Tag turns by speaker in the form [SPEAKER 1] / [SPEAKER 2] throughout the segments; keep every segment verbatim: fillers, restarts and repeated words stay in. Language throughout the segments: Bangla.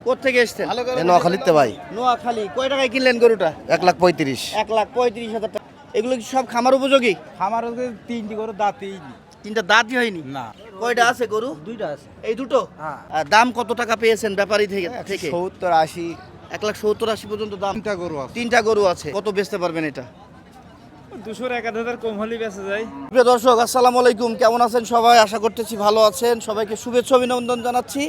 [SPEAKER 1] কোত্থেকে এসছেন?
[SPEAKER 2] নোয়াখালীতে ভাই।
[SPEAKER 1] নোয়াখালী। কয় টাকায় কিনলেন গরুটা?
[SPEAKER 2] এক লাখ পঁয়ত্রিশ।
[SPEAKER 1] এক লাখ পঁয়ত্রিশ হাজার টাকা। এগুলো কি সব খামার উপযোগী?
[SPEAKER 3] খামার তিনটি গরু দাঁতই
[SPEAKER 1] তিনটা দাঁতই হয়নি?
[SPEAKER 3] না।
[SPEAKER 1] কয়টা আছে গরু?
[SPEAKER 3] দুইটা আছে।
[SPEAKER 1] এই দুটো?
[SPEAKER 3] হ্যাঁ।
[SPEAKER 1] আর দাম কত টাকা পেয়েছেন ব্যাপারী থেকে? থেকে
[SPEAKER 2] সত্তর আশি।
[SPEAKER 1] এক লাখ সত্তর আশি পর্যন্ত দাম।
[SPEAKER 3] তিনটা গরু আছে।
[SPEAKER 1] তিনটা গরু আছে। কত বেচতে পারবেন এটা?
[SPEAKER 3] দুশোর এক হাজার কম হলেই বেঁচে যায়।
[SPEAKER 1] প্রিয় দর্শক, আসসালামু আলাইকুম। কেমন আছেন সবাই? আশা করতেছি ভালো আছেন। সবাইকে শুভেচ্ছা অভিনন্দন জানাচ্ছি।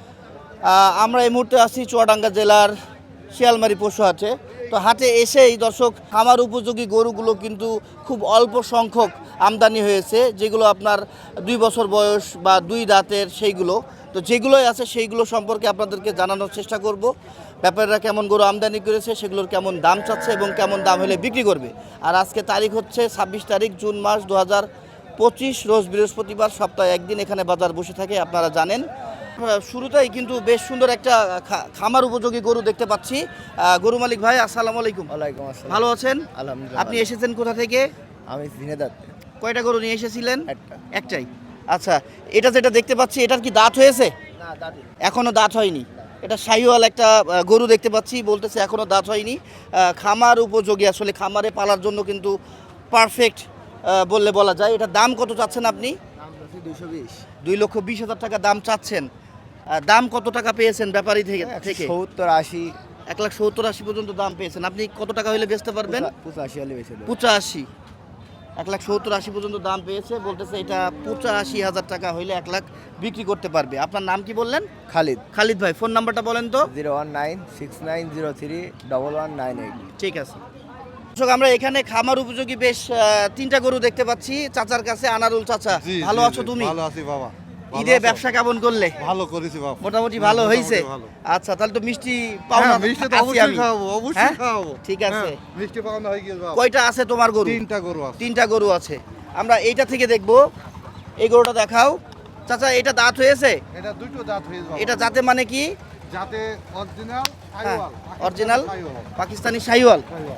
[SPEAKER 1] আহ, আমরা এই মুহূর্তে আছি চুয়াডাঙ্গা জেলার শিয়ালমারি পশু হাটে। তো হাটে এসেই দর্শক খামার উপযোগী গরুগুলো কিন্তু খুব অল্প সংখ্যক আমদানি হয়েছে, যেগুলো আপনার দুই বছর বয়স বা দুই দাঁতের সেইগুলো। তো যেগুলোই আছে সেইগুলো সম্পর্কে আপনাদেরকে জানানোর চেষ্টা করব। ব্যাপারীরা কেমন গরু আমদানি করেছে, সেগুলোর কেমন দাম চাচ্ছে এবং কেমন দাম হলে বিক্রি করবে। আর আজকে তারিখ হচ্ছে ছাব্বিশ তারিখ জুন মাস দু হাজার পঁচিশ, রোজ বৃহস্পতিবার। সপ্তাহে একদিন এখানে বাজার বসে থাকে, আপনারা জানেন। শুরুতেই কিন্তু বেশ সুন্দর একটা খা- খামার উপযোগী গরু দেখতে পাচ্ছি। আহ, গরু মালিক ভাই, আসসালামু আলাইকুম।
[SPEAKER 2] ওয়ালাইকুম আসসালাম।
[SPEAKER 1] ভালো আছেন?
[SPEAKER 2] আলহামদুলিল্লাহ।
[SPEAKER 1] আপনি এসেছেন কোথা থেকে?
[SPEAKER 2] আমি ঝিনেদার।
[SPEAKER 1] কয়টা গরু নিয়ে এসেছিলেন?
[SPEAKER 2] একটা।
[SPEAKER 1] একটাই। আচ্ছা, এটা যেটা দেখতে পাচ্ছি, এটার কি দাঁত হয়েছে?
[SPEAKER 2] না দাদি।
[SPEAKER 1] এখনো দাঁত হয়নি। এটা শাহিওয়াল একটা আহ, গরু দেখতে পাচ্ছি, বলতেছে এখনো দাঁত হয়নি। আহ, খামার উপযোগী, আসলে খামারে পালার জন্য কিন্তু পারফেক্ট বললে বলা যায়। এটার দাম কত চাচ্ছেন আপনি?
[SPEAKER 2] দাম বলছি দুইশো বিশ।
[SPEAKER 1] দুই লক্ষ বিশ হাজার টাকা দাম চাচ্ছেন। আহ, দাম কত টাকা পেয়েছেন ব্যাপারী থেকে? থেকে
[SPEAKER 2] সত্তর আশি।
[SPEAKER 1] এক লাখ সত্তর আশি পর্যন্ত দাম পেয়েছেন। আপনি কত টাকা হলে বেচতে পারবেন?
[SPEAKER 2] পঁচাশি হলে বেশি।
[SPEAKER 1] পঁচাশি। এক লাখ সত্তর আশি পর্যন্ত দাম পেয়েছে, বলতেছে এটা পঁচাশি হাজার টাকা হইলে এক লাখ বিক্রি করতে পারবে। আপনার নাম কি বললেন?
[SPEAKER 2] খালিদ।
[SPEAKER 1] খালিদ ভাই, ফোন নাম্বারটা বলেন তো।
[SPEAKER 2] Zero one nine six nine zero three double one nine eight.
[SPEAKER 1] ঠিক আছে দর্শক, আমরা এখানে খামার উপযোগী বেশ আহ, তিনটা গরু দেখতে পাচ্ছি চাচার কাছে। আনারুল চাচা,
[SPEAKER 4] জি,
[SPEAKER 1] ভালো
[SPEAKER 4] জি,
[SPEAKER 1] আছো
[SPEAKER 4] জি,
[SPEAKER 1] তুমি?
[SPEAKER 4] ভালো আছি বাবা। ভালো
[SPEAKER 1] ঈদে
[SPEAKER 4] আছো?
[SPEAKER 1] ব্যবসা কেমন করলে?
[SPEAKER 4] ভালো করেছি বাবা।
[SPEAKER 1] মোটামুটি ভালো হয়েছে?
[SPEAKER 4] ভালো।
[SPEAKER 1] আচ্ছা, তাহলে তো মিষ্টি পাওনা
[SPEAKER 4] হ্যাঁ, মিষ্টি তো
[SPEAKER 1] আছি
[SPEAKER 4] অবশ্যই
[SPEAKER 1] আমি।
[SPEAKER 4] খাওয়াবো, অবশ্যই
[SPEAKER 1] হ্যাঁ?
[SPEAKER 4] খাওয়াবো।
[SPEAKER 1] ঠিক আছে।
[SPEAKER 4] হ্যাঁ, মিষ্টি পাওনা হয়ে গেছে বাবা।
[SPEAKER 1] কয়টা আছে তোমার গরু?
[SPEAKER 4] তিনটা গরু আছে।
[SPEAKER 1] তিনটা গরু আছে। আমরা এইটা থেকে দেখবো। এই গরুটা দেখাও চাচা। এটা দাঁত হয়েছে?
[SPEAKER 4] এটা দুটো দাঁত হয়েছে বাবা।
[SPEAKER 1] এটা জাতে মানে কি?
[SPEAKER 4] যাতে অরিজিনাল
[SPEAKER 1] হ্যাঁ,
[SPEAKER 4] শাহিওয়াল।
[SPEAKER 1] অরিজিনাল
[SPEAKER 4] শাহিওয়াল।
[SPEAKER 1] পাকিস্তানি শাহিওয়াল।
[SPEAKER 4] শাহিওয়াল।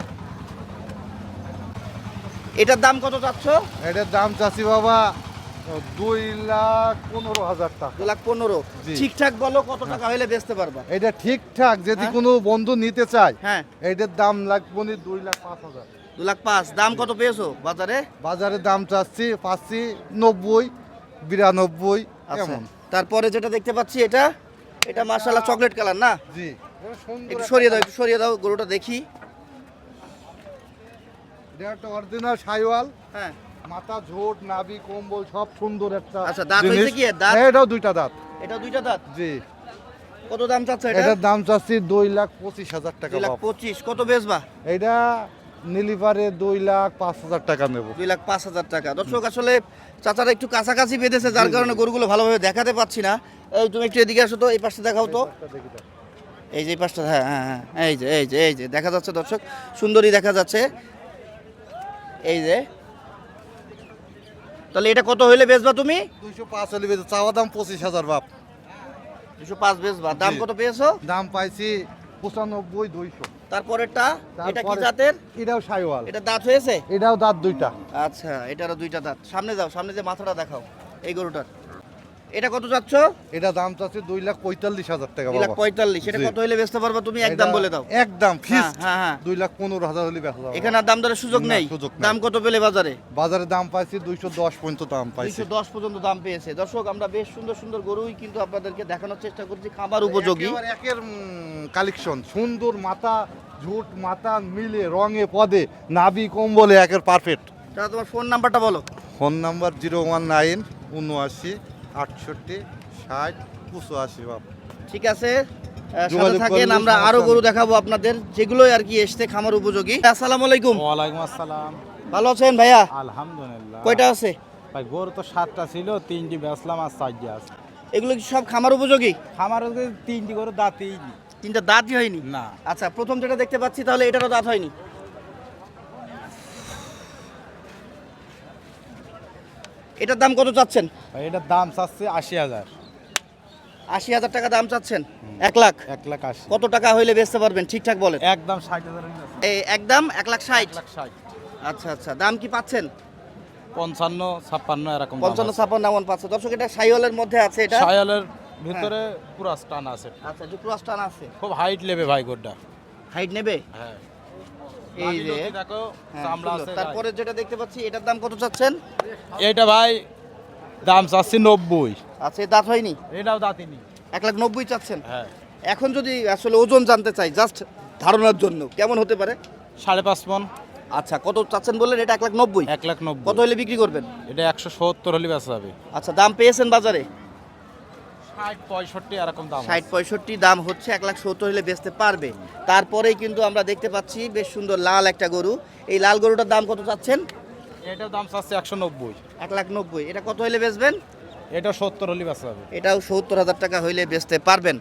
[SPEAKER 1] এটার দাম কত চাচ্ছ?
[SPEAKER 4] এটার দাম চাচ্ছি বাবা দুই লাখ পনেরো হাজার টাকা।
[SPEAKER 1] দু লাখ পনেরো।
[SPEAKER 4] জি।
[SPEAKER 1] ঠিকঠাক বলো কত টাকা হলে বেচতে পারবা?
[SPEAKER 4] এটা ঠিকঠাক যদি
[SPEAKER 1] হ্যাঁ?
[SPEAKER 4] কোনো বন্ধু নিতে চায়,
[SPEAKER 1] হ্যাঁ,
[SPEAKER 4] এটার দাম লাগবে না দুই লাখ পাঁচ হাজার।
[SPEAKER 1] দু লাখ পাঁচ। দাম কত পেয়েছো বাজারে?
[SPEAKER 4] বাজারে দাম চাচ্ছি পাচ্ছি নব্বই, বিরানব্বই
[SPEAKER 1] আচ্ছা,
[SPEAKER 4] এমন।
[SPEAKER 1] তারপরে যেটা দেখতে পাচ্ছি, এটা এটা মাশাআল্লাহ চকলেট কালার না?
[SPEAKER 4] জি। এটা সুন্দর
[SPEAKER 1] একটু
[SPEAKER 4] একটা
[SPEAKER 1] সরিয়ে দাও, একটু সরিয়ে দাও, গরুটা দেখি।
[SPEAKER 4] এটা একটা অরিজিনাল শাইওয়াল।
[SPEAKER 1] হ্যাঁ।
[SPEAKER 4] মাথা, ঝোট, নাভি, কম্বল সব সুন্দর একটা।
[SPEAKER 1] আচ্ছা, দাঁত
[SPEAKER 4] জিনিস।
[SPEAKER 1] হয়েছে কি এর? দাঁত?
[SPEAKER 4] হ্যাঁ, এটাও দুইটা দাঁত।
[SPEAKER 1] এটা দুইটা দাঁত।
[SPEAKER 4] জি।
[SPEAKER 1] কত দাম চাচ্ছ এটা?
[SPEAKER 4] এটার দাম চাচ্ছি দুই লাখ পঁচিশ হাজার টাকা।
[SPEAKER 1] দুই লাখ
[SPEAKER 4] বাপ।
[SPEAKER 1] পঁচিশ। কত বেচবা?
[SPEAKER 4] এটা নিলিভারে দুই লাখ পাঁচ হাজার টাকা নেব।
[SPEAKER 1] দুই লাখ পাঁচ হাজার টাকা। দর্শক, আসলে চাচারা একটু কাছাকাছি বেঁধেছে, যার কারণে গরুগুলো ভালোভাবে দেখাতে পাচ্ছি না। এই তুমি একটু এদিকে আসো তো, এই পাশটা দেখাও তো। এই যে এই পাশটা, হ্যাঁ হ্যাঁ হ্যাঁ, এই যে এই যে এই যে দেখা যাচ্ছে দর্শক, সুন্দরী দেখা যাচ্ছে। এই যে, তাহলে এটা কত হইলে বেচবা তুমি?
[SPEAKER 4] দুইশো পাঁচ হলে বেঁচে চাওয়া দাম পঁচিশ হাজার বাপ।
[SPEAKER 1] দুশো পাঁচ বেচবা। দাম
[SPEAKER 4] জি।
[SPEAKER 1] কত পেয়েছো?
[SPEAKER 4] দাম পাইছি পঁচানব্বই, দুইশো।
[SPEAKER 1] তারপরেরটা, এটা কি
[SPEAKER 4] তারপরে-
[SPEAKER 1] জাতের?
[SPEAKER 4] এটাও শাইওয়াল।
[SPEAKER 1] এটা দাঁত হয়েছে?
[SPEAKER 4] এটাও দাঁত দুইটা।
[SPEAKER 1] আচ্ছা, এটারও দুইটা দাঁত। সামনে যাও, সামনে যে মাথাটা দেখাও এই গরুটার। এটা কত যাচ্ছ?
[SPEAKER 4] এটা দাম চাচ্ছে দুই লাখ পঁয়তাল্লিশ হাজার টাকা
[SPEAKER 1] দুই লাখ
[SPEAKER 4] বাবা।
[SPEAKER 1] পঁয়তাল্লিশ। এটা
[SPEAKER 4] জি।
[SPEAKER 1] কত হইলে বেচতে পারবা তুমি? একদম
[SPEAKER 4] এটা
[SPEAKER 1] বলে দাও।
[SPEAKER 4] একদম ফিক্স।
[SPEAKER 1] হ্যাঁ, হ্যাঁ, হ্যাঁ।
[SPEAKER 4] দুই লাখ পনেরো হাজার হলে বেচা যাবে।
[SPEAKER 1] এখানে আর দাম দরের সুযোগ
[SPEAKER 4] না,
[SPEAKER 1] নেই?
[SPEAKER 4] সুযোগ নেই।
[SPEAKER 1] দাম কত পেলে বাজারে?
[SPEAKER 4] বাজারে দাম পাইছি দুইশো দশ পর্যন্ত দাম পাইছি।
[SPEAKER 1] দুইশো দশ পর্যন্ত দাম পেয়েছে। দর্শক, আমরা বেশ সুন্দর সুন্দর গরুই কিন্তু আপনাদেরকে দেখানোর চেষ্টা করছি, খাবার উপযোগী।
[SPEAKER 4] একেবারে একের কালেকশন সুন্দর, মাথা ঝুট মাথা মিলে রঙে পদে নাভি কম্বলে একের পারফেক্ট।
[SPEAKER 1] তাহলে তোমার ফোন নাম্বারটা বলো।
[SPEAKER 4] Phone number zero one nine উনআশি আটষট্টি ষাট পঁচাশি বাপ।
[SPEAKER 1] ঠিক আছে, আহ, সাথে
[SPEAKER 4] যোগাযোগ
[SPEAKER 1] থাকেন।
[SPEAKER 4] করলে
[SPEAKER 1] আমরা
[SPEAKER 4] সমস্যা
[SPEAKER 1] আরো গরু
[SPEAKER 4] নেই।
[SPEAKER 1] দেখাবো আপনাদের, যেগুলোই আর কি এসছে খামার উপযোগী। আসসালামু আলাইকুম।
[SPEAKER 3] ওয়ালাইকুম আসসালাম।
[SPEAKER 1] ভালো আছেন ভাইয়া?
[SPEAKER 3] আলহামদুলিল্লাহ।
[SPEAKER 1] কয়টা আছে?
[SPEAKER 3] ভাই গরু তো সাতটা ছিল, তিনটি বেচলাম আর চারটি আছে।
[SPEAKER 1] এগুলো কি সব খামার উপযোগী?
[SPEAKER 3] খামার তিনটি গরু দাঁতই
[SPEAKER 1] তিনটা দাঁতই হয়নি?
[SPEAKER 3] না।
[SPEAKER 1] আচ্ছা, প্রথম যেটা দেখতে পাচ্ছি, তাহলে এটারও দাঁত হয়নি। এটার দাম কত চাচ্ছেন?
[SPEAKER 3] ভাই এটার দাম চাচ্ছে আশি হাজার।
[SPEAKER 1] আশি হাজার টাকা দাম চাচ্ছেন? এক লাখ।
[SPEAKER 3] এক লাখ আশি।
[SPEAKER 1] কত টাকা হইলে বেচতে পারবেন ঠিকঠাক বলেন?
[SPEAKER 3] একদম ষাট হাজার।
[SPEAKER 1] এই একদম এক লাখ ষাট।
[SPEAKER 3] এক লাখ ষাট।
[SPEAKER 1] আচ্ছা আচ্ছা, দাম কি পাচ্ছেন?
[SPEAKER 3] পঞ্চান্ন ছাপ্পান্ন এরকম।
[SPEAKER 1] পঞ্চান্ন ছাপ্পান্ন এমন পাচ্ছে। দর্শক, এটা শাহিওয়ালের মধ্যে আছে। এটা
[SPEAKER 3] শায়ালের ভিতরে পুরো স্টান আছে,
[SPEAKER 1] আচ্ছা একটু ক্রস টান আছে,
[SPEAKER 3] খুব হাইট নেবে ভাই গোটা।
[SPEAKER 1] হাইট নেবে।
[SPEAKER 3] হ্যাঁ
[SPEAKER 1] এই যে
[SPEAKER 3] নাভি দেখো
[SPEAKER 1] হ্যাঁ,
[SPEAKER 3] চামড়া
[SPEAKER 1] সুন্দর।
[SPEAKER 3] আছে গায়ে।
[SPEAKER 1] তারপরে যেটা দেখতে পাচ্ছি এটার দাম কত চাচ্ছেন?
[SPEAKER 3] এইটা ভাই দাম চাচ্ছি নব্বই।
[SPEAKER 1] আচ্ছা এর দাঁত হয়নি,
[SPEAKER 3] এটাও দাঁতিনি।
[SPEAKER 1] এক লাখ নব্বই চাচ্ছেন।
[SPEAKER 3] হ্যাঁ
[SPEAKER 1] এখন যদি আসলে ওজন জানতে চাই জাস্ট ধারণার জন্য কেমন হতে পারে?
[SPEAKER 3] সাড়ে পাঁচ মন।
[SPEAKER 1] আচ্ছা কত চাচ্ছেন বললেন? এটা এক লাখ নব্বই।
[SPEAKER 3] এক লাখ নব্বই।
[SPEAKER 1] কত হলে বিক্রি করবেন?
[SPEAKER 3] এটা একশো সত্তর হলে বেচা যাবে।
[SPEAKER 1] আচ্ছা দাম পেয়েছেন বাজারে?
[SPEAKER 3] ষাট পঁয়ষট্টি এরকম দাম।
[SPEAKER 1] ষাট পঁয়ষট্টি দাম হচ্ছে, এক লাখ সত্তর হলে বেচতে পারবে। তারপরেই কিন্তু আমরা দেখতে পাচ্ছি বেশ সুন্দর লাল একটা গরু। এই লাল গরুটার দাম কত চাচ্ছেন?
[SPEAKER 3] এটার দাম চাচ্ছে একশো নব্বই।
[SPEAKER 1] এক লাখ নব্বই। এটা কত হলে বেচবেন?
[SPEAKER 3] এটা সত্তর হলে বেচা যাবে।
[SPEAKER 1] এটাও সত্তর হাজার টাকা হইলে বেচতে পারবেন।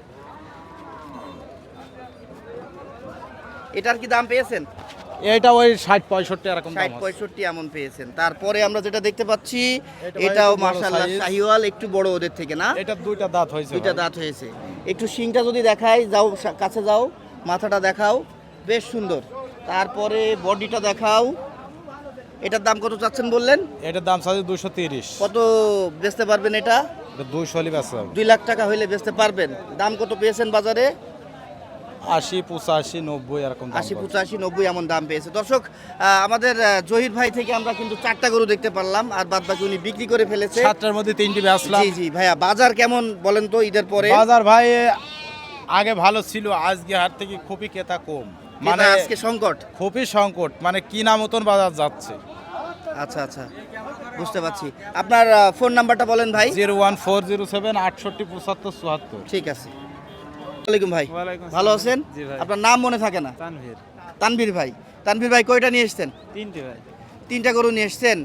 [SPEAKER 1] এটার কি দাম পেয়েছেন?
[SPEAKER 3] এটা ওই ষাট পঁয়ষট্টি এরকম দাম
[SPEAKER 1] ষাট
[SPEAKER 3] আছে।
[SPEAKER 1] পঁয়ষট্টি এমন পেয়েছেন। তারপরে আমরা যেটা দেখতে পাচ্ছি
[SPEAKER 3] এটা ভাই
[SPEAKER 1] এটাও
[SPEAKER 3] একটু বড়
[SPEAKER 1] মাশাআল্লাহ
[SPEAKER 3] size।
[SPEAKER 1] শাহিওয়াল, একটু বড় ওদের থেকে না?
[SPEAKER 3] এটার দুইটা দাঁত হয়েছে
[SPEAKER 1] দুইটা
[SPEAKER 3] ভাই।
[SPEAKER 1] দাঁত হয়েছে। একটু শিংটা যদি দেখাই, যাও সা- কাছে যাও, মাথাটা দেখাও, বেশ সুন্দর। তারপরে বডিটা দেখাও। এটার দাম কত চাচ্ছেন বললেন?
[SPEAKER 3] এটার দাম চাচ্ছে দুশো তিরিশ।
[SPEAKER 1] কত বেচতে পারবেন এটা?
[SPEAKER 3] এটা দুইশো হলে বেচা যাবে।
[SPEAKER 1] দুই লাখ টাকা হইলে বেচতে পারবেন। দাম কত পেয়েছেন বাজারে?
[SPEAKER 3] আশি পঁচাশি নব্বই এরকম দাম
[SPEAKER 1] আশি
[SPEAKER 3] বলছে।
[SPEAKER 1] পঁচাশি নব্বই এমন দাম পেয়েছে। দর্শক আহ, আমাদের আহ, জহির ভাই থেকে আমরা কিন্তু চারটা গরু দেখতে পারলাম, আর বাদ বাকি উনি বিক্রি করে ফেলেছে।
[SPEAKER 3] সাতটার মধ্যে তিনটি বেচলাম।
[SPEAKER 1] জি জি ভাইয়া, বাজার কেমন বলেন তো ঈদের পরে?
[SPEAKER 3] বাজার ভাই আগে ভালো ছিল, আজকে হাট থেকে খুবই ক্রেতা কম,
[SPEAKER 1] মানে
[SPEAKER 3] মানে
[SPEAKER 1] আজকে সংকট।
[SPEAKER 3] খুবই সংকট, মানে কিনা মতন বাজার যাচ্ছে।
[SPEAKER 1] আচ্ছা আচ্ছা বুঝতে পারছি। আপনার ফোন নাম্বারটা বলেন ভাই।
[SPEAKER 3] Zero one four zero seven আটষট্টি পঁচাত্তর চুয়াত্তর।
[SPEAKER 1] ঠিক আছে। ওয়ালাইকুম ভাই,
[SPEAKER 5] ওয়ালাইকুম
[SPEAKER 1] ভালো
[SPEAKER 5] আসসালাম।
[SPEAKER 1] আছেন?
[SPEAKER 5] জি ভাই।
[SPEAKER 1] আপনার নাম মনে থাকে না?
[SPEAKER 5] তানভীর।
[SPEAKER 1] তানভীর ভাই। তানভীর ভাই কয়টা নিয়ে এসেছেন?
[SPEAKER 5] তিনটে ভাই।
[SPEAKER 1] তিনটা গরু নিয়ে এসেছেন।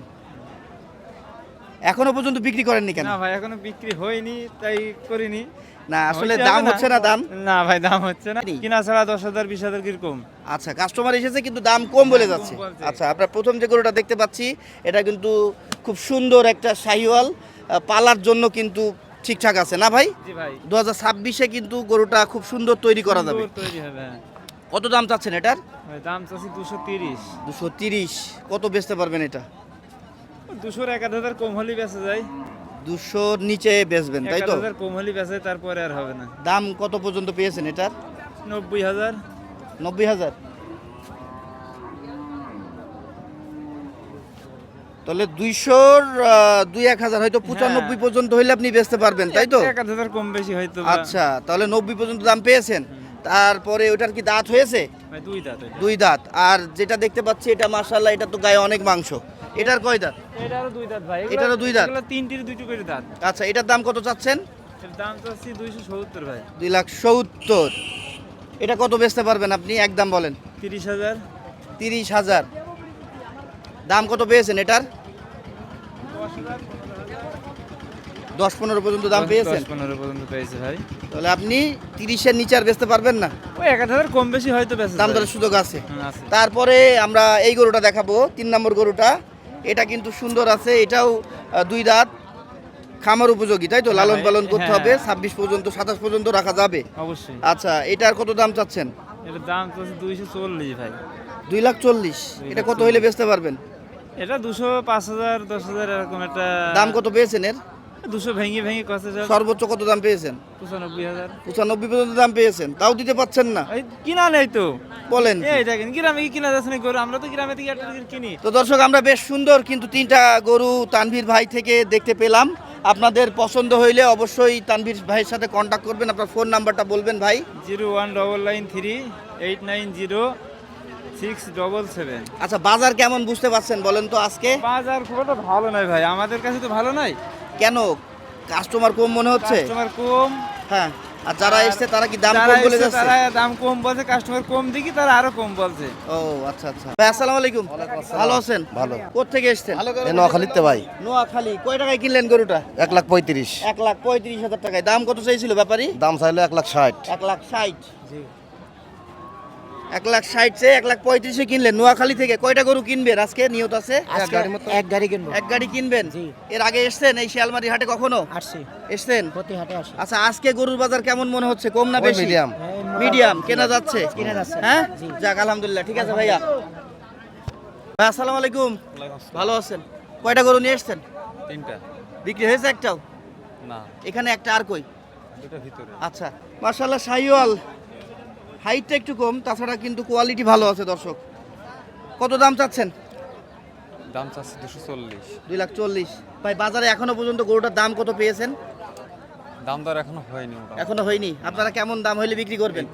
[SPEAKER 1] এখনো পর্যন্ত বিক্রি করেননি কেন?
[SPEAKER 5] না ভাই এখনো বিক্রি হয়নি তাই করিনি।
[SPEAKER 1] না আসলে
[SPEAKER 5] হইতে
[SPEAKER 1] দাম
[SPEAKER 5] হবে
[SPEAKER 1] হচ্ছে না দাম।
[SPEAKER 5] না ভাই দাম হচ্ছে না,
[SPEAKER 1] নি।
[SPEAKER 5] কিনা ছাড়া দশ হাজার বিশ হাজার কিরকম।
[SPEAKER 1] আচ্ছা কাস্টমার এসেছে কিন্তু দাম কম বলে
[SPEAKER 5] কম
[SPEAKER 1] যাচ্ছে।
[SPEAKER 5] বলছে।
[SPEAKER 1] আচ্ছা আপনার প্রথম যে গরুটা দেখতে পাচ্ছি এটা কিন্তু খুব সুন্দর একটা শাহিওয়াল, আহ, পালার জন্য কিন্তু ঠিকঠাক আছে না ভাই?
[SPEAKER 5] জি ভাই।
[SPEAKER 1] দু হাজার ছাব্বিশে কিন্তু গরুটা খুব সুন্দর তৈরি করা যাবে।
[SPEAKER 5] সুন্দর তৈরি হবে হ্যাঁ।
[SPEAKER 1] কত দাম চাচ্ছেন এটার?
[SPEAKER 5] ভাই দাম চাচ্ছি দুশো তিরিশ।
[SPEAKER 1] দুশো তিরিশ। কত বেচতে পারবেন এটা?
[SPEAKER 5] দুশোর এক আধ হাজার কম হলেই বেঁচে যায়।
[SPEAKER 1] দুশোর নিচে বেচবেন
[SPEAKER 5] এক
[SPEAKER 1] তাই
[SPEAKER 5] আধ
[SPEAKER 1] তো?
[SPEAKER 5] হাজার কম হলেই বেঁচে, তারপরে আর হবে না।
[SPEAKER 1] দাম কত পর্যন্ত পেয়েছেন এটার?
[SPEAKER 5] নব্বই হাজার।
[SPEAKER 1] নব্বই হাজার। তাহলে দুইশোর দুই এক হাজার হয়তো পঁচানব্বই পর্যন্ত হইলে আপনি বেচতে পারবেন তাই তো?
[SPEAKER 5] এক আধ হাজার কম বেশি হয়তো বা।
[SPEAKER 1] আচ্ছা তাহলে নব্বই পর্যন্ত দাম পেয়েছেন। তারপরে ওটার কি দাঁত হয়েছে?
[SPEAKER 5] ভাই দুই দাঁত এটা।
[SPEAKER 1] দুই দাঁত। আর যেটা দেখতে পাচ্ছি এটা মাশাআল্লাহ, এটা তো গায়ে অনেক মাংস। এটার কয় দাঁত?
[SPEAKER 5] এটারও দুই দাঁত ভাই। এগুলো-
[SPEAKER 1] এটারও দুই দাঁত?
[SPEAKER 5] এগুলো তিনটির দুটো করে দাঁত।
[SPEAKER 1] আচ্ছা এটার দাম কত চাচ্ছেন?
[SPEAKER 5] এর দাম চাচ্ছি দুইশো সত্তর ভাই।
[SPEAKER 1] দুই লাখ সত্তর। এটা কত বেচতে পারবেন আপনি? একদম বলেন।
[SPEAKER 5] তিরিশ হাজার।
[SPEAKER 1] তিরিশ হাজার। দাম কত পেয়েছেন এটার? দশ পনেরো পর্যন্ত দাম পেয়েছেন।
[SPEAKER 5] দশ পনেরো পর্যন্ত পেয়েছে ভাই।
[SPEAKER 1] তাহলে আপনি তিরিশের নিচে আর বেচতে পারবেন না?
[SPEAKER 5] ওই এক আধ হাজার কম বেশি হয়তো বেঁচে
[SPEAKER 1] দাম
[SPEAKER 5] যায়।
[SPEAKER 1] দরের সুযোগ আছে।
[SPEAKER 5] হুম, আছে।
[SPEAKER 1] তারপরে আমরা এই গরুটা দেখাবো, তিন নম্বর গরুটা। এটা কিন্তু সুন্দর আছে, এটাও আহ, দুই দাঁত, খামার উপযোগী তাই তো?
[SPEAKER 5] হ্যাঁ
[SPEAKER 1] লালন
[SPEAKER 5] ভাই,
[SPEAKER 1] পালন করতে
[SPEAKER 5] হ্যাঁ।
[SPEAKER 1] হবে, ছাব্বিশ পর্যন্ত সাতাশ পর্যন্ত রাখা যাবে।
[SPEAKER 5] অবশ্যই।
[SPEAKER 1] আচ্ছা এটার কত দাম চাচ্ছেন?
[SPEAKER 5] এটার দাম তো দুইশো চল্লিশ ভাই।
[SPEAKER 1] দুই লাখ চল্লিশ।
[SPEAKER 5] দুই
[SPEAKER 1] এটা
[SPEAKER 5] লাখ
[SPEAKER 1] কত হইলে বেচতে পারবেন?
[SPEAKER 5] এটা দুশো পাঁচ হাজার দশ হাজার এরকম একটা
[SPEAKER 1] দাম কত পেয়েছেন এর?
[SPEAKER 5] দুশো ভেঙে ভেঙে কত হাজার।
[SPEAKER 1] সর্বোচ্চ কত দাম পেয়েছেন?
[SPEAKER 5] পঁচানব্বই হাজার।
[SPEAKER 1] পঁচানব্বই পর্যন্ত দাম পেয়েছেন, তাও দিতে পাচ্ছেন না?
[SPEAKER 5] এই কিনা নেই তো।
[SPEAKER 1] বলেন কি?
[SPEAKER 5] এই দেখেন গ্রামে কি কিনা যাচ্ছে না গরু, আমরা তো গ্রামে থেকে একটা কিনি।
[SPEAKER 1] তো দর্শক আমরা বেশ সুন্দর কিন্তু তিনটা গরু তানভীর ভাই থেকে দেখতে পেলাম। আপনাদের পছন্দ হইলে অবশ্যই তানভীর ভাইয়ের সাথে কন্ট্যাক্ট করবেন। আপনার ফোন নাম্বারটা বলবেন ভাই।
[SPEAKER 5] Zero one double nine three eight nine zero six double seven.
[SPEAKER 1] আচ্ছা বাজার কেমন বুঝতে পারছেন বলেন তো আজকে?
[SPEAKER 5] বাজার খুব একটা ভালো নয় ভাই, আমাদের কাছে তো ভালো নাই।
[SPEAKER 1] কেন? কাস্টমার কম মনে হচ্ছে?
[SPEAKER 5] কাস্টমার কম।
[SPEAKER 1] হ্যাঁ। আর যারা
[SPEAKER 5] আর
[SPEAKER 1] এসছে তারা কি দাম
[SPEAKER 5] যারা
[SPEAKER 1] কম বলে
[SPEAKER 5] এসছে
[SPEAKER 1] যাচ্ছে?
[SPEAKER 5] তারা দাম কম বলছে, কাস্টমার কম দেখি তারা আরো কম বলছে।
[SPEAKER 1] ও আচ্ছা আচ্ছা। ভাই আসসালামু আলাইকুম। ভালো আছেন?
[SPEAKER 2] ভালো।
[SPEAKER 1] কোত্থেকে এসেছেন?
[SPEAKER 2] নোয়াখালীতে ভাই।
[SPEAKER 1] নোয়াখালী। কয় টাকায় কিনলেন গরুটা?
[SPEAKER 2] এক লাখ পঁয়ত্রিশ।
[SPEAKER 1] এক লাখ পঁয়ত্রিশ হাজার টাকায়। দাম কত চাইছিল ব্যাপারী?
[SPEAKER 2] দাম চাইলো এক লাখ ষাট।
[SPEAKER 1] এক লাখ ষাট। এক লাখ ষাট চেয়ে এক লাখ পঁয়ত্রিশে কিনলেন নোয়াখালী থেকে। কয়টা গরু কিনবেন আজকে নিয়ত আছে?
[SPEAKER 6] এক গাড়ি কিনবো।
[SPEAKER 1] এক গাড়ি কিনবেন?
[SPEAKER 6] জি।
[SPEAKER 1] এর আগে এসছেন এই শিয়ালমারি হাটে কখনো?
[SPEAKER 6] আসছি,
[SPEAKER 1] এসছেন?
[SPEAKER 6] প্রতি হাটে আসি।
[SPEAKER 1] আচ্ছা আজকে গরুর বাজার কেমন মনে হচ্ছে, কম না
[SPEAKER 2] ওই
[SPEAKER 1] বেশি?
[SPEAKER 2] মিডিয়াম।
[SPEAKER 1] মিডিয়াম কেনা যাচ্ছে?
[SPEAKER 6] কিনা যাচ্ছে।
[SPEAKER 1] হ্যাঁ
[SPEAKER 6] জি।
[SPEAKER 1] যাক আলহামদুলিল্লাহ। ঠিক আছে ভাইয়া। ভাই আসসালামু আলাইকুম। ভালো আছেন? কয়টা গরু নিয়ে এসছেন?
[SPEAKER 5] তিনটা।
[SPEAKER 1] বিক্রি হয়েছে একটাও?
[SPEAKER 5] না।
[SPEAKER 1] এখানে একটা আর কই?
[SPEAKER 5] দুটো ভিতরে।
[SPEAKER 1] আচ্ছা, মাশাআল্লাহ শাহিওয়াল, হাইটটা একটু কম, তাছাড়া কিন্তু কোয়ালিটি ভালো আছে দর্শক। কত দাম চাচ্ছেন?
[SPEAKER 5] দাম চাচ্ছে দুশো চল্লিশ।
[SPEAKER 1] দুই লাখ চল্লিশ। ভাই বাজারে এখনো পর্যন্ত গরুটার দাম কত পেয়েছেন?
[SPEAKER 5] দাম দর এখনো হয়নি,
[SPEAKER 1] এখনো হয়নি। আপনারা কেমন দাম হইলে বিক্রি করবেন?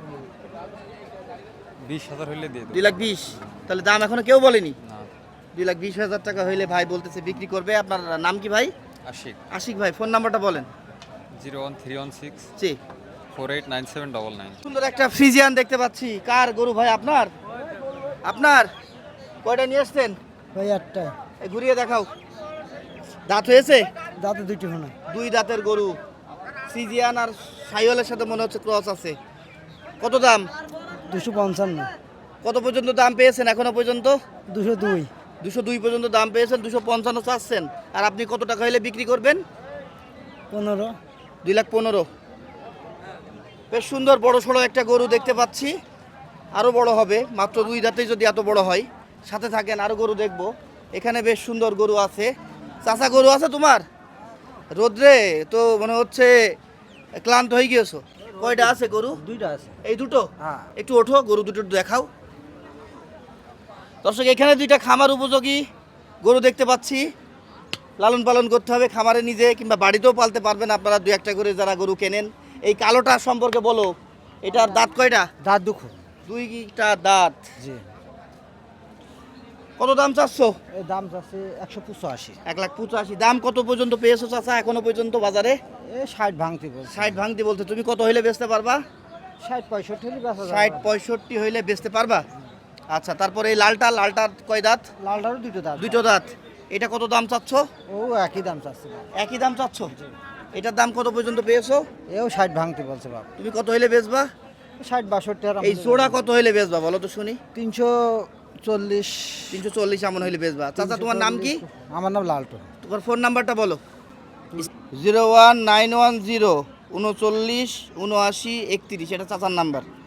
[SPEAKER 5] বিশ হাজার হইলে দিয়ে
[SPEAKER 1] দুই লাখ বিশ। তাহলে দাম এখনো কেউ বলেনি?
[SPEAKER 5] না।
[SPEAKER 1] দুই লাখ বিশ হাজার টাকা হইলে ভাই বলতেছে বিক্রি করবে। আপনার নাম কি ভাই?
[SPEAKER 5] আশিক।
[SPEAKER 1] আশিক ভাই, ফোন নাম্বারটা বলেন।
[SPEAKER 5] Zero one three one six
[SPEAKER 1] জি।
[SPEAKER 5] Four eight nine seven double nine.
[SPEAKER 1] সুন্দর একটা ফ্রিজিয়ান দেখতে পাচ্ছি। কার গরু ভাই? আপনার? আপনার কয়টা নিয়ে আসছেন?
[SPEAKER 6] ভাই আটটা।
[SPEAKER 1] এই ঘুরিয়ে দেখাও। দাঁত হয়েছে?
[SPEAKER 6] দাঁতে দুইটি ফোনা।
[SPEAKER 1] দুই দাঁতের গরু, ফ্রিজিয়ান আর সাইওয়ালের সাথে মনে হচ্ছে ক্রস আছে। কত দাম?
[SPEAKER 6] দুশো পঞ্চান্ন।
[SPEAKER 1] কত পর্যন্ত দাম পেয়েছেন এখনো পর্যন্ত?
[SPEAKER 6] দুশো দুই।
[SPEAKER 1] দুশো দুই পর্যন্ত দাম পেয়েছেন, দুশো পঞ্চান্ন চাচ্ছেন। আর আপনি কত টাকা হলে বিক্রি করবেন?
[SPEAKER 6] পনেরো।
[SPEAKER 1] দুই লাখ পনেরো। বেশ সুন্দর বড় সড়ো একটা গরু দেখতে পাচ্ছি। আরও বড় হবে, মাত্র দুই দাঁতেই যদি এত বড় হয়। সাথে থাকেন, আরও গরু দেখবো। এখানে বেশ সুন্দর গরু আছে। চাচা গরু আছে তোমার? রোদ্রে তো মনে হচ্ছে ক্লান্ত হয়ে গিয়েছো। কয়টা আছে গরু?
[SPEAKER 6] দুইটা আছে।
[SPEAKER 1] এই দুটো?
[SPEAKER 6] হ্যাঁ।
[SPEAKER 1] একটু ওঠো, গরু দুটো দেখাও। দর্শক, এখানে দুইটা খামার উপযোগী গরু দেখতে পাচ্ছি। লালন পালন করতে হবে খামারে নিজে, কিংবা বাড়িতেও পালতে পারবেন আপনারা দু একটা করে যারা গরু কেনেন। এই কালোটা সম্পর্কে বলো, এটার দাঁত কয়টা?
[SPEAKER 6] দাঁত দুঃখ।
[SPEAKER 1] দুইটা দাঁত।
[SPEAKER 6] জি।
[SPEAKER 1] কত দাম চাচ্ছ?
[SPEAKER 6] এই দাম যাচ্ছে একশো পঁচাশি।
[SPEAKER 1] এক লাখ পঁচাশি। দাম কত পর্যন্ত পেয়েছো চাচা এখনো পর্যন্ত বাজারে?
[SPEAKER 6] এ ষাট ভাঙতে বলছে।
[SPEAKER 1] ষাট ভাঙতে বলতে, তুমি কত হইলে বেচতে পারবা?
[SPEAKER 6] ষাট পঁয়ষট্টি হলে বেচা যাবে।
[SPEAKER 1] ষাট পঁয়ষট্টি হইলে বেচতে পারবা। আচ্ছা, তারপরে এই লালটা, লালটার কয় দাঁত?
[SPEAKER 6] লালটারও দুটো দাঁত।
[SPEAKER 1] দুটো দাঁত। এটা কত দাম চাচ্ছ?
[SPEAKER 6] ও একই দাম চাচ্ছে বাপ।
[SPEAKER 1] একই দাম চাচ্ছ? এটার দাম কত পর্যন্ত পেয়েছো?
[SPEAKER 6] এও ষাট ভাঙতে বলছে বাপ।
[SPEAKER 1] তুমি কত হইলে বেচবা?
[SPEAKER 6] ষাট বাষট্টি। আর
[SPEAKER 1] এই জোড়া কত হইলে বেচবা বলো তো শুনি?
[SPEAKER 6] তিনশো চল্লিশ।
[SPEAKER 1] তিনশো চল্লিশ এমন হইলে বেচবা। চাচা তোমার নাম কি?
[SPEAKER 6] আমার নাম লালটু।
[SPEAKER 1] তোমার ফোন নাম্বারটা বলো। Zero one nine one zero উনচল্লিশ উনআশি একত্রিশ, এটা চাচার নাম্বার।